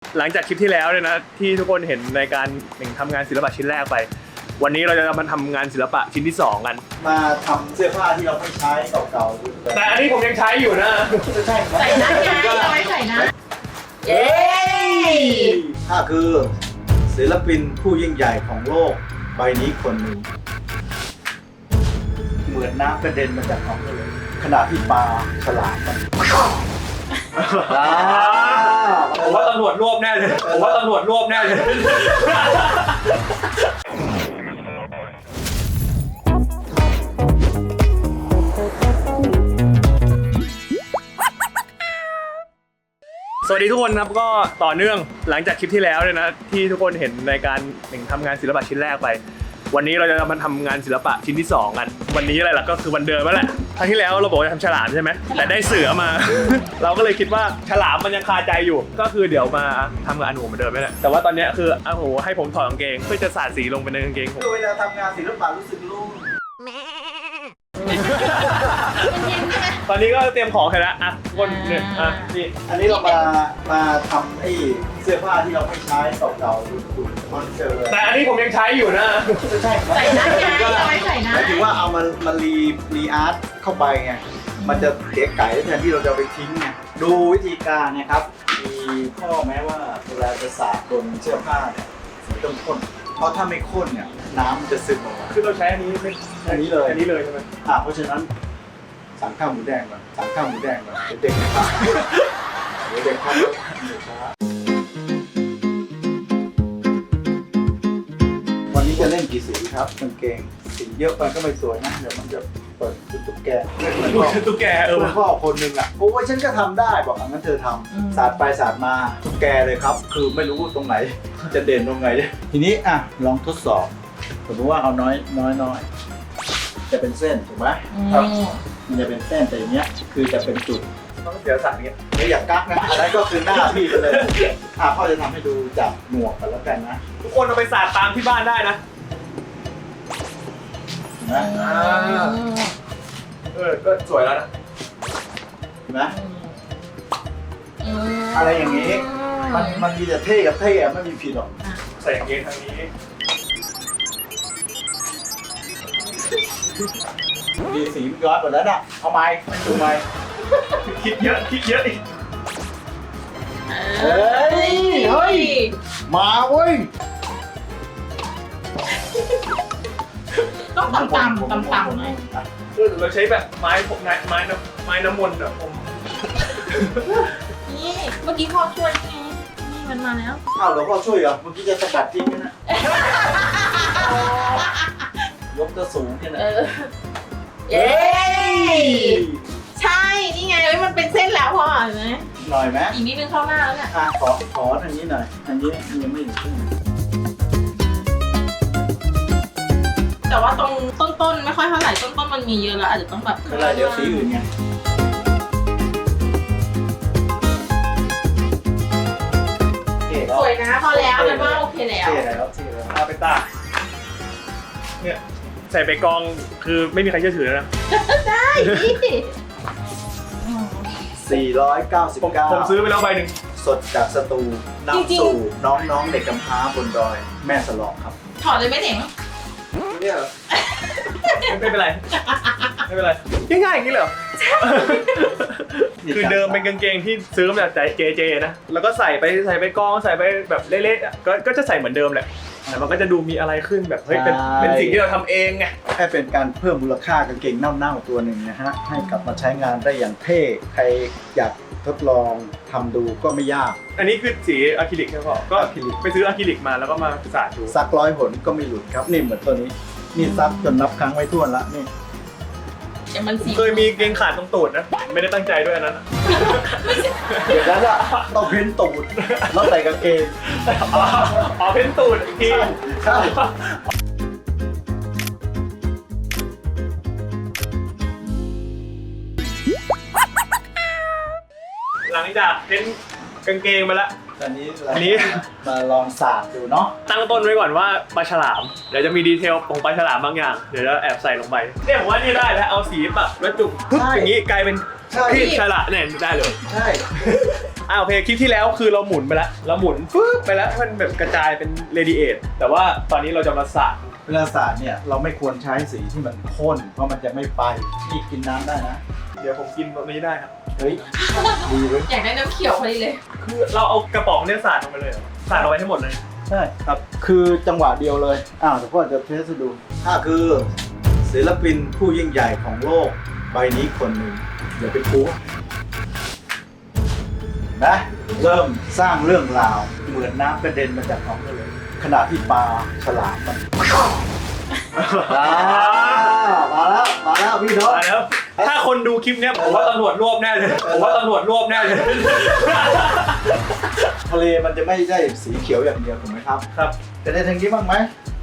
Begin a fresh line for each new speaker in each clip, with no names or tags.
หลังจากคลิปที่แล้วเนี่ยนะที่ทุกคนเห็นในการทำงานศิลปะชิ้นแรกไปวันนี้เราจะมาทำงานศิลปะชิ้นที่2กัน
มาทำเสื้อผ้าที่เราไม่ใช้เก่าๆ
แต่อันนี้ผมยังใช้อยู่นะ
ใช่
ใส่นะไงเราไม่ใส่นะเย้
ถ้าคือศิลปินผู้ยิ่งใหญ่ของโลกใบนี้คนหนึ่งเหมือนน้ำกระเด็นมาจากท้องทะเลขณะที่ปลาฉลามมัน
ผมว่าตำรวจรวบแน่เลยผมว่าตำรวจรวบแน่เลยสวัสดีทุกคนครับก็ต่อเนื่องหลังจากคลิปที่แล้วเนี่ยนะที่ทุกคนเห็นในการทำงานศิลปะชิ้นแรกไปวันนี้เราจะมาทำงานศิลปะชิ้นที่2กันวันนี้อะไรล่ะก็คือวันเดิมนั่นแหละครั้งที่แล้วเราบอกจะทำฉลามใช่ไหมแต่ได้เสือมา เราก็เลยคิดว่าฉลามมันยังคาใจอยู่ก็คือเดี๋ยวมาทำกับอันหูเหมือนเดิมนี่แหละแต่ว่าตอนนี้คืออันหูให้ผมถอดกางเกงเพื่อจะสาดสีลงไปในกางเกงผม
เวลาทำงานศิลปะรู้สึกลุ่ม
ตอนนี้ก็เตรียมของเสร็จแล้วอ่ะคนเนี่ยนี่
อันนี้เรามาทำไอ้เสื้อผ้าที่เราไม่ใช้เก่าๆดูมันเจอ
แต่อันนี้ผมยังใช้อยู่นะ
ใช่
ใส่นะไงเราไม่ใส่นะ
หมายถึงว่าเอามารีอาร์ตเข้าไปไงมันจะเก๋ไก่แทนที่เราจะไปทิ้งไงดูวิธีการนะครับมีข้อแม้ว่าเวลาจะสาดบนเสื้อผ้าเนี่ยสีต้องข้นเพราะถ้าไม่ข้นเนี่ยน้ำมันจะซึมออกมา
คือเราใช้อันนี้ไม่
อันนี้เลย
ใช่ไหม
เพราะฉะนั้นสั่งข้าวหมูแดงก่อนสั่งข้าวหมูแดงก่อนเด็กๆครับเด็กๆครับวันนี้จะเล่นกี่สีครับกางเกงสีเยอะไปก็ไม่สวยนะเดี๋ยวมันจะเปิดตุ๊กแก
ตุ๊กแก
คุณพ่อคนหนึ่งอ่ะโอ้ยฉันก็ทำได้บอกงั้นเธอทำสาดไปสาดมาตุ๊กแกเลยครับคือไม่รู้ตรงไหนจะเด่นตรงไหนทีนี้อ่ะลองทดสอบสมมติว่าเอาน้อยจะเป็นเส้นถูกไหมครับมันจะเป็นเส้นแต่อย่างเงี้ยคือจะเป็นจุด
ต้องเสียสัตว์เงี้ย
ไม่อยากกักนะอันนั้นก็คือหน้าพี่ไปเลยพ่อจะทำให้ดูจากหมวกกันแล้วกันนะ
ทุกคนเอาไปสาดตามที่บ้านได้นะก็สวยแล้วนะ
เห็นไหมอะไรอย่างนี้มันมีแต่เท่กับเท่ไม่มีผิดหรอก
ใส่อย่างนี้ทางนี้
มีสีย้อนหมดแล้วน่ะเอาไม้ดูไม้
คิดเยอะอีก
เฮ้ยมาเว้ย
ต้องต่ำหน่อย
เราใช้แบบไม้น้ำมนต์อ่ะผม
นี่เมื่อกี้พ่อช่วยไงนี่มันมาแล้ว
อ้าวหลวงพ่อช่วยเหรอเมื่อกี้จะสกัดทิ้งนะยกตัวสูงแค่นั้น
เย้ใช่นี่ไงมันเป็นเส้นแล้วพ่อเห็นไหม
หน่อยไหม
อีกนิดนึงเข้าหน้าแล้วเนี่ย
ขอทางนี้หน่อยอันนี้ยังไม่ถึงครึ่ง
แต่ว่าตรงต้นไม่ค่อยเท่าไหร่ต้นมันมีเยอะแล้วอาจจะต้องแบบ
เวลาเดี๋ยวสีอื่นไง
สวยนะพอแล้วมันว่าโอเคแล้ว
เอาไปตากเนี่ยใส่ไปกองคือไม่มีใครเชื่อถือแล้วนะ
ได้
499
ผมซื้อไปแล้วใบหนึ่ง
สดจากสตูนำสู่น้องๆเด็กกำพร้าบนดอยแม่สลองครับ
ถอดเลยไหมเด็ก
เนี่ยไม่เป็นไรง่ายๆอย่างนี้เหรอคือเดิมเป็นกางเกงที่ซื้อมาจากเจนะแล้วก็ใส่ไปกองใส่ไปแบบเละๆก็จะใส่เหมือนเดิมแหละแต่มันก็จะดูมีอะไรขึ้นแบบเฮ้ยเป็นสิ่งที่เราทำเองไง
แค่เป็นการเพิ่มมูลค่ากางเกงเน่าๆตัวหนึ่งนะฮะให้กลับมาใช้งานได้อย่างเท่ใครอยากทดลองทำดูก็ไม่ยาก
อันนี้คือสีอะคริลิกใช่ไหมพ่อก็ไปซื้ออะคริลิกมาแล้วก็มาสาดดู
ซัก100 หนก็ไม่หลุดครับนี่เหมือนตัวนี้นี่ซักจนนับครั้งไว้ทั่วละนี่
เคยมีเกงขาดตรงตูดนะไม่ได้ตั้งใจด้วยอันนั้น
เดี๋ยวนั้นอะต้องเพ้นตูดแล้วใส่กางเกง
เพ้นตูดอีกที
ใช่
หลังจากเพ้นกางเกงมาแล้ว
อันนี้มาลองสาดดูเนาะ
ตั้งต้นไว้ก่อนว่าปลาฉลามเดี๋ยวจะมีดีเทลของปลาฉลามบางอย่างเดี๋ยวจะแอบใส่ลงไปเนี่ยผมว่านี่ได้แล้วเอาสีปะแล้วจุกอย่างนี้กลายเป็นพี่ฉลามเนี่ยได้เลย
ใช่
โอเคคลิปที่แล้วคือเราหมุนไปแล้วเราหมุนปึ๊บไปแล้วให้มันแบบกระจายเป็นเรดิเอทแต่ว่าตอนนี้เราจะมาสาด
เวลาสาดเนี่ยเราไม่ควรใช้สีที่มันข้นเพราะมันจะไม่ไปนี่กินน้ำได้นะ
เดี๋ยวผมกินตรงนี้ได้ครับ
เฮ้ยดีเว้ย
อยากได้น้ำเขียวพอดีเลย
คือเราเอากระป๋องเนี่ยสาดลงไปเลยเหรอสาดเอาไว้ให้หมดเลย
ใช่ครับคือจังหวะเดียวเลยเดี๋ยวพ่อจะเทสให้ดูถ้าคือศิลปินผู้ยิ่งใหญ่ของโลกใบนี้คนหนึ่งอย่าไปกลัวนะเริ่มสร้างเรื่องราวเหมือนน้ำกระเด็นมาจากท้องทะเลขณะที่ปลาฉลามมันมาแล้วพี่น้อง
มาแล้วถ้าคนดูคลิปเนี้ยผมว่าตำรวจรวบแน่เลยผมว่าตำรวจรวบแน่เลย
ทะเลมันจะไม่ได้สีเขียวอย่างเดียวถูกไหมครับ
ครับ
จะได้ทางนี้บ้างไหม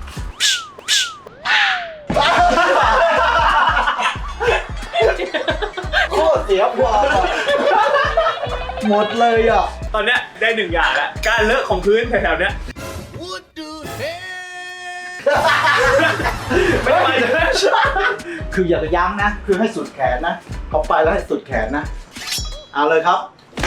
โคตรเสียพวกหมดเลยอ่ะ
ตอนเนี้ยได้1อย่างแล้วการเลอะของพื้นแถวๆเนี้ยไม่ทำไมเลย
คืออย่ายั้งนะ คือให้สุดแขนนะพอไปแล้วให้สุดแขนนะ เอาเลยครับ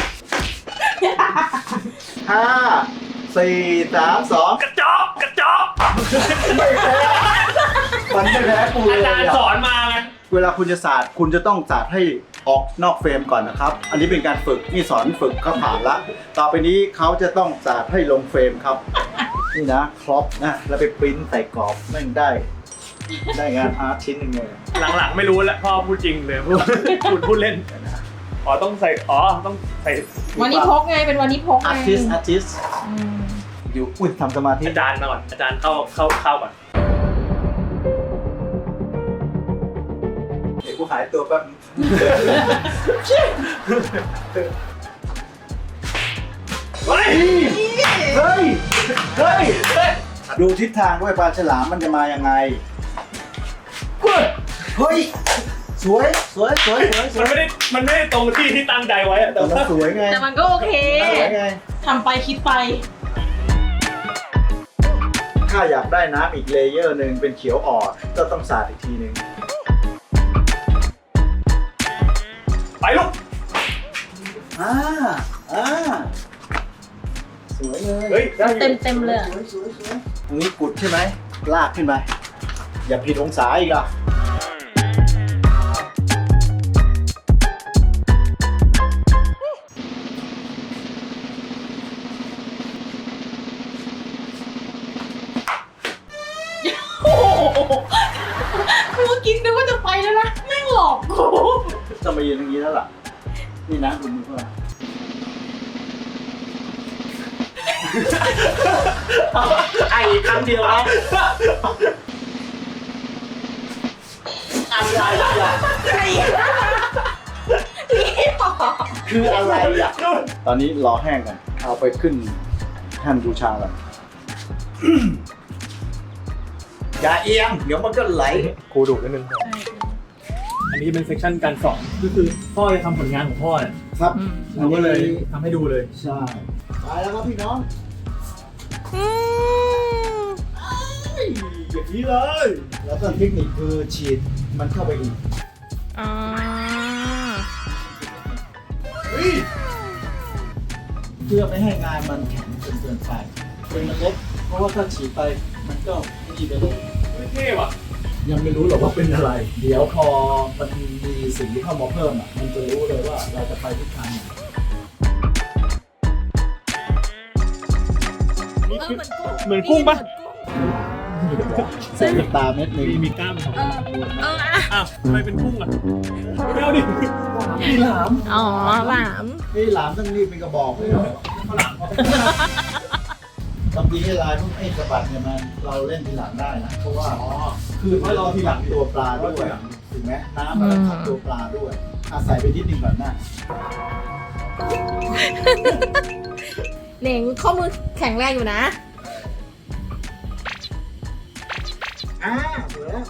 5 4 3 2
กระจอกกระจอก
ไม่แพ้มันไม่แพ้กูเลย
อาจารย์สอนมาไง
เวลาคุณจะสาดคุณจะต้องสาดให้ออกนอกเฟรมก่อนนะครับ อันนี้เป็นการฝึกนี่สอนฝึกเขาผ่านละต่อไปนี้เขาจะต้องสาดให้ลงเฟรมครับ นี่นะครอปนะแล้วไปปริ้นใส่กรอบแม่งได้งานอาร์ตชิ้นหนึ่งเลย
หลังๆไม่รู้แล้วพ่อพูดจริงเลยพูดเล่นต้องใส่ต้องใส่
วันนี้พกไงเป็นวันนี้พกไง
อาร์ติสอยู่อุ้ยทำสมาธิ
อาจารย์มาก่อนอาจารย์เข้าก่อน
เดี๋ยวกูหายตัวแป๊บ
เฮ้ย
เฮ้ยดูทิศทางด้วยปลาฉลามมันจะมายังไงเฮ้ยสวย
มันไม่ได้ตรงที่ตั้งใจไว้อะแต่
แต่มัน
ว่า
สวยไง
แต่มันก็โอเค
สวยไง
ทำไปคิดไป
ถ้าอยากได้น้ำอีกเลเยอร์หนึ่งเป็นเขียวอ่อนก็ต้องสาดอีกทีหนึ่ง
ไปลูก
สวยเลย
เฮ้ยได้อยู่
เต็มเลยอะ
สวยตรงนี้กุดใช่ไหมลากขึ้นไปอย่าผิดองศาอีกอ่ะ
กูกินนึกว่าจะไปแล้วนะแม่งหลอกกู
ต้องมายืนอย่างนี้แล้วล่ะนี่นะดูมือเพื่อน
ไอ้ครั้งเดียวนะ
อะไรอ่ะ คืออะไรอ่ะ ตอนนี้รอแห้งกันเอาไปขึ้นแท่นบูชากันอย่าเอียงเดี๋ยวมันก็ไหล
ครูดุนิดนึงอันนี้เป็นเซสชั่นการสอนก็คือพ่อจะทำผลงานของพ่อเนี่ย
ครับ
เราก็เลยทำให้ดูเลย
ใช่ไปแล้วครับพี่น้องอย่างนี้เลย แล้วก็เทคนิคคือฉีดมันเข้าไปอีกเพื่อไม่ให้งานมันแข็งจนเกินไปเป็นมันเล็กเพราะว่าถ้าฉีดไปมันก็ไม่ดีไปเลย
เท่ว่ะ
ยังไม่รู้หรอกว่าเป็นอะไร เดี๋ยวพอมันมีสีเข้ามาเพิ่มมันจะรู้เลยว่าเราจะไปทิศทางไหน
เหมือนกุ้งปะ
ใส่ตาเม็ดหนึ่ง
มีกล้ามของอ้าวทำไมเป็นกุ้งอ่ะไม่เอาดิ
มีหลาม
อ๋อหลาม
นี่หลามต้องรีบเป็นกระบอกเลยเหรอตำดีให้ลายพวกไอ้สะบัดเนี่ยมันเราเล่นทีหลังได้นะเพราะว่าคือถ้าเราทีหลังตัวปลาด้วยถูกไหมน้ำมันขับตัวปลาด้วยอาศัยไปนิดนึงก่อนนะ
เหน่งข้อมือแข็งแรงอยู่นะ
สวยแล้ว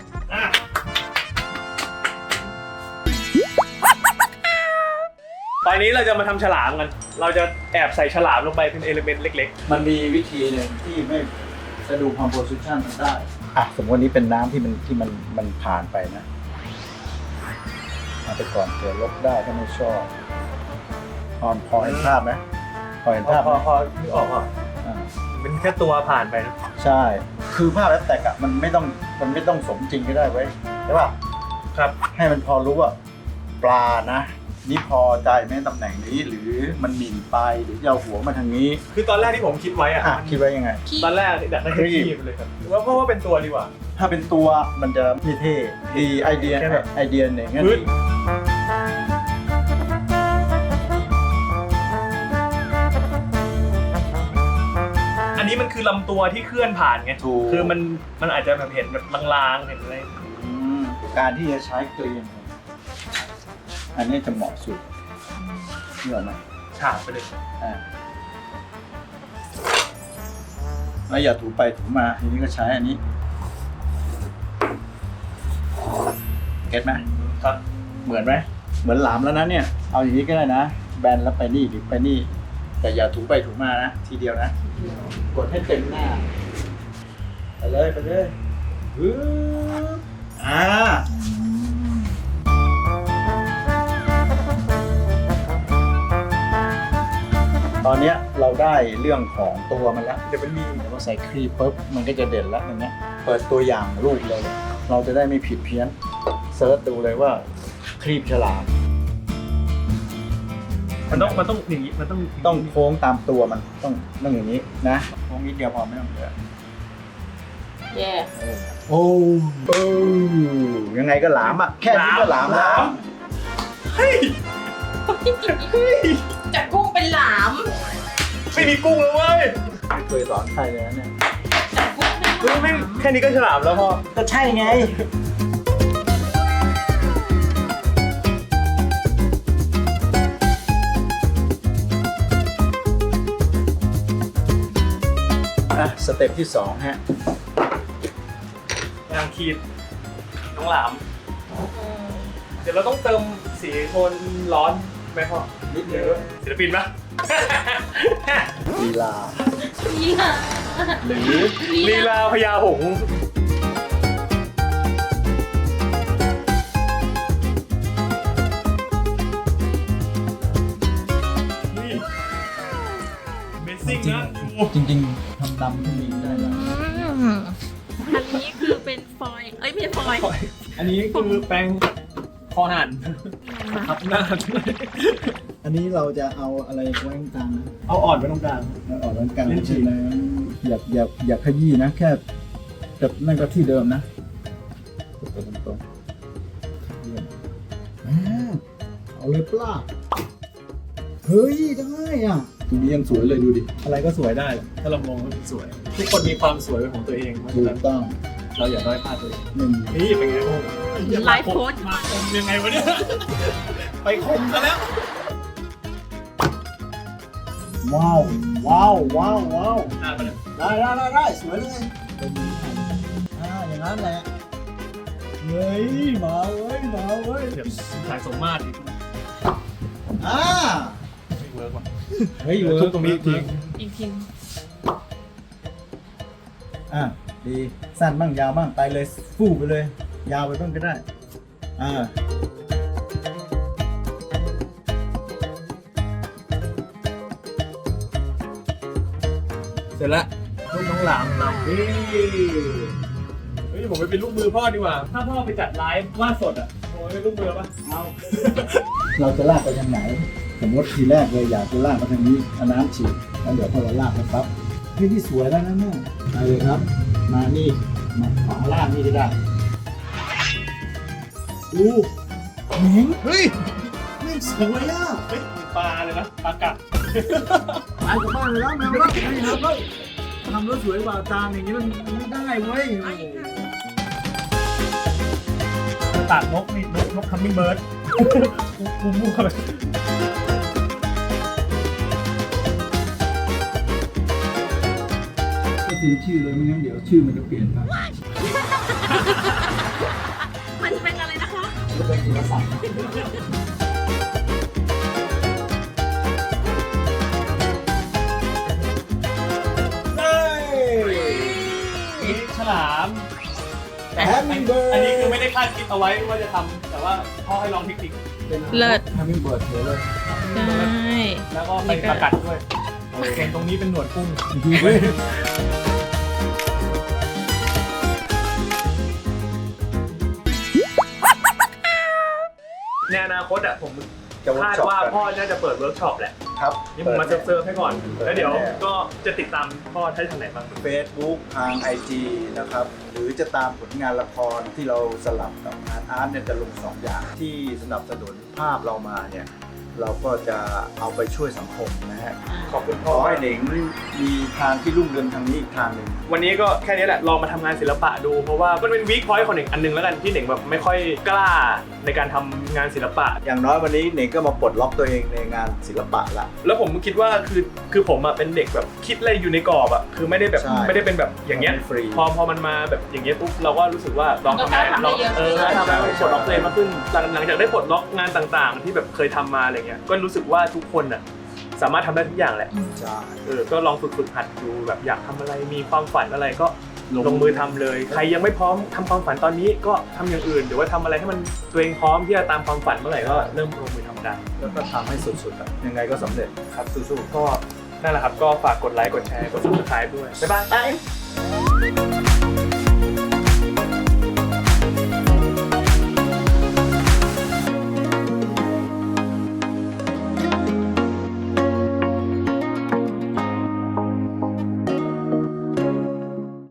ตอนนี้เราจะมาทำฉลามกัน เราจะแอบใส่ฉลามลงไปเป็นเอลิเมนต์เล็ก
มันมีวิธีหนึ่งที่ไม่จะดู composition มันได้สมมติวันนี้เป็นน้ำที่มันผ่านไปนะเอาไปก่อนเผื่อลบได้ถ้าไม่ชอบพอเห็นภาพไหมพอเห็นภาพไหม
พอนึกออกอ่ะ
อ่า
เป็นแค่ตัวผ่านไปนะ
ใช่ คือภาพแอปแตกอะมันไม่ต้องสมจริงก็ได้ไว้ยใช่ป่ะ
ครับ
ให้มันพอรู้ว่าปลานะ นี่พอใจไหมตำแหน่งนี้ หรือมันหมิ่นไปหรือจะเอาหัวมาทางนี้
คือตอนแรกที่ผมคิดไว้อ่ะ
อ่ะคิดไว้ยังไง
ตอนแรกอยากได้แค่คีบเลยครับหรือว่าเพราะว่าเป็นตัวดีกว่า
ถ้าเป็นตัวมันจะเท่ๆดีไอเดีย
แค่แบบ
ไอเดียเนี่ยงั้น
ปึ๊ด
ดี
อันนี้มันคือลำตัวที่เคลื่อนผ่านไง
ถูก
คือมันอาจจะแบบเห็นแบบลางๆเห็นอะไร
อืมการที่จะใช้เกลียนอันนี้จะเหมาะสุดเหนื่อยไหม
ฉาบไปเลย
อ่าแล้วอย่าถูไปถูมาทีนี้ก็ใช้อันนี้เก็ตไหม
ครับ
เหมือนไหมเหมือนหลามแล้วนะเนี่ยเอาอย่างนี้ก็ได้นะแบนแล้วไปนี่หรือไปนี่ แต่อย่าถูไปถูมานะทีเดียวนะ กดให้เต็มหน้าไปเลยไปเลยปึ๊บตอนเนี้ยเราได้เรื่องของตัวมันแล้ว
เดี๋ยวมันมี
เดี๋ยวมาใส่ครีมปุ๊บมันก็จะเด่นแล้วอย่างเงี้ยเปิดตัวอย่างรูปเลย เราจะได้ไม่ผิดเพี้ยนเซิร์ชดูเลยว่าครีบฉลาม
มันต้องอย่างนี้มัน
ต้องโค้งตามตัวมันต้องอย่างนี้นะโค้งนิดเดียวพอไม่ต้องเยอะ
แย่
โอ้ยังไงก็หลามอ่ะแค่นี้ก็หลามแล้ว
เฮ้ย
จากกุ้งเป็นหลาม
ไม่มีกุ้งเลยเว้ย
ไม่เคยสอนใครเลยนะเนี่ย
จากกุ้งเป็น
เฮ้ยไม่แค่นี้ก็ฉลามแล้วพ่อ
ก็ใช่ไงสเต็ปที่2ฮะ
งานคีบน้องหลาม เดี๋ยวเราต้องเติมสีโทนร้อนไหมพ่อ
นิดเดียว
ศิลปินปะ
ลีลา
นี่ค่ะ
หรือ
ลีลาพญาหงส์นี่ Amazing นะดู
จริงๆทำดำขึ้นมีได้แล้ว
อันนี้คือเป็นฟอยล์เอ้ยไม่ใช่ฟอยล์
อันนี้คือแปรงคอหั่นทับหน้า
อันนี้เราจะเอาอะไรไว้ตรงกลางนะ
เอาอ่อนไว้ตรงกลาง
เอาออกไว้ตรงกลาง
เล่นฉีก
อย่าขยี้นะ แค่แบบนั่นก็ที่เดิมนะกดไปตรงๆเยี่ยมเอาเลยปลาเฮ้ยได้อ่ะทีนี้ยังสวยเลยดูดิ
อะไรก็สวยได้ ถ้าเรามองว่ามันสวย ทุกคนมีความสวยเป็นของตัวเองเพราะ
ถู
ฉะนั้น
กต้อง
เราอย่าด้อยค่าตัวเอง
หนึ่ง
นี่เป็นไง
ไลฟ์โค้ด
มาคมยังไงวะเนี่ย ไปคมซะแล้ว
ว้าวว้าวว้าวว้าว
หน้าไปเลย
ได้สวยเลยอย่างนั้นแหละเฮ้ยมาเว้ย
เดี๋ยวสายสมมาตรอีก ไม่เวิร์กว่ะ
เฮ้ย
ทุบตรงนี้อีกที
อีกที
ดีสั้นบ้างยาวบ้างไปเลยฟู่ไปเลย ยาวไปบ้างก็ได้
เสร็จแล้วลูกน้องหลามนำเฮ้ยผมไปเป็นลูกมือพ่อดีกว่า ถ้าพ่อไปจัดไลฟ์วาดสดอ่ะผมเป็นลูกมือปะเอา
เราจะลากไปทางไหนสมมติทีแรกเลยอยากจะลากไปทางนี้เอาน้ำฉีดแล้วเดี๋ยวพอเราลากไปปั๊บนี่สวยแล้วนะเนี่ยไปเลยครับ มานี่มาขวาล่างนี่ก็ได้ดูเหม็งเฮ้ยไม่สวยอ่ะ
เฮ้ยปลาเลยนะปลากัด
ไปกลับบ้านเลยแล้วแมวแล้วไม่ครับแล้วทำรถสวยกว่าจานอย่างนี้มันไม่ได้เว้ย
ตากนกนี่นกคัมมิ่งเบิร์ดกูมั่วเลย
ก็จริงชื่อเลยไม่งั้นเดี๋ยวชื่อมันจะเปลี่ยนไป
มันเป็นอะไรนะคะ
จะเป็นศิลปศาสตร์
นี่ฉลาม
แฮมมิงเบิร์ด
อันนี้คือไม่ได้คาดคิดเอาไว้ว่าจะทำแต่ว่าพ่อให้ลองเทคนิค
เลิศ
แฮมมิงเบิร์ดเฉยเลย
ใช่
แล้วก็ไปประกัดด้วยส่วนตรงนี้เป็นหนวดกุ้งในอนาคตอ่ะผม
จะเวิร์
คาก ด
ช็อป
ว่า
กัน
พ่อน่าจะเปิดเวิร์กช็อปแหละ
ครับ
นี่ผมมาเซิร์ฟๆให้ก่อน
เปิด
แล้วเดี๋ยว
แน่
ก็จะติดตามพ่อได้ทางไหนบ้าง
Facebook ทาง IG นะครับ หรือจะตามผลงานละครที่เราสลับกับงานอาร์ตเนี่ยจะลง 2 อย่างที่สนับสนุนภาพเรามาเนี่ย เราก็จะเอาไปช่วยสังคมนะฮะ
ขอบคุณ
ข
พ่อ
อให้เหน่งมีทางที่รุ่งเรืองทางนี้อีกทางหนึ่ง
วันนี้ก็แค่นี้แหละลองมาทำงานศิลปะดูเพราะว่ามันเป็นวีคพอยต์ของเหน่งอันหนึงแล้วกันที่เหน่งแบบไม่ค่อยกล้าในการทำงานศิลปะ
อย่างน้อยวันนี้เหน่งก็มาปลดล็อกตัวเองในงานศิลปะละ
แล้วผมคิดว่าคือผมอะเป็นเด็กแบบคิดอะไรอยู่ในกรอบอะคือไม่ได้แบบ
ใช่
ไม่ได้เป็นแบบอย่างเงี้ย
มันฟรี
พอมันมาแบบอย่างเงี้ยปุ๊บเราก็รู้สึกว่าลองทำ
ก็ทำได้เยอะ
ทำให้ปลดล็อกตัวเองมากขึ้นหลังจากได้ปลดล็อกงานต่างๆ ที่แบบเคยทำมาอะไรเงี้ยก็รู้สึกว่าทุกคนอะสามารถทำได้ทุกอย่างแหละ
ใช่
ก็ลองฝึกหัดดูแบบอยากทำอะไรมีความฝันอะไรก็ลงมือทำเลย ใครยังไม่พร้อมทำความฝันตอนนี้ก็ทำอย่างอื่นหรือว่าทำอะไรให้มันตัวเองพร้อมที่จะตามความฝันเมื่อไหร่ก็เริ่มลงมือทำได้
แล้วก็ทำให้สุดๆอะยังไงก็สำเร็จครับสู้ๆ
ก็นั่นแหละครับก็ฝากกดไลค์กดแชร์กด subscribe ด้วยบ๊ายบาย
ไป